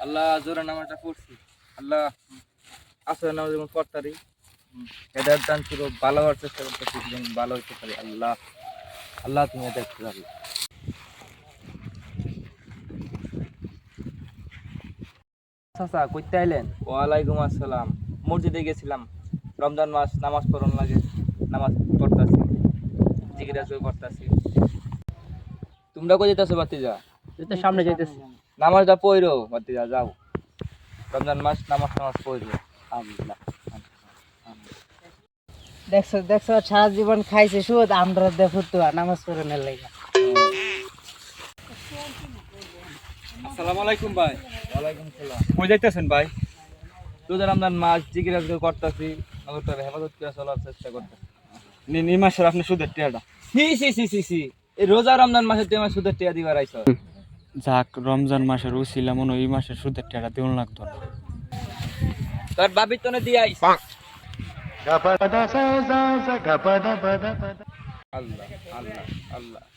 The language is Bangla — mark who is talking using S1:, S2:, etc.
S1: আল্লাহ জোরে নামাজটা পড়ছি। আল্লাহ আসলে নামাজ যেমন পড়তারি হেদায়েত দান করো, ভালো হওয়ার চেষ্টা করতেছি, যেমন ভালো হইতে পারি। আল্লাহ আল্লাহ তুমি দেখতে পারো। চাচা কইতে আইলেন? ওয়ালাইকুম আসসালাম। মসজিদে গেছিলাম, রমজান মাস নামাজ পড়ন লাগে, নামাজ পড়তাছি, জিকির আজকাল করতাছি। তোমরা কই যেতেছো বাতিজা?
S2: এই তো সামনে যাইতেছি।
S1: নামাজটা পড়ো বাতিজা, যাও। রমজান মাস নামাজ নামাজ পড়ো। আল্লাহ
S2: দেখছো দেখছো সারা জীবন খাইছে সুদ, আমরা দেখো তো নামাজ পড়ে না লাগা।
S3: আসসালামু আলাইকুম ভাই।
S1: ওয়ালাইকুম সালাম।
S3: কই যাইতেছেন ভাই?
S1: রোজা রমজান মাস জিকির আজকাল করতাছি, নগরটার হেফাজত করে চলার চেষ্টা করতেছি।
S3: এই মাসের আপনি সুদের টিয়াটা।
S1: সি সি সি সি সি, এই রোজা রমজান মাসে তুই আমার সুদের টিয়া দিবার আইছ?
S3: যাক, রমজান মাসের উছিলা মনে হয় এই মাসের সুদের টিয়াটা দেউন লাগতো না।
S1: তোর বাবির তনে দিয়ে আইস। আল্লাহ আল্লাহ আল্লাহ।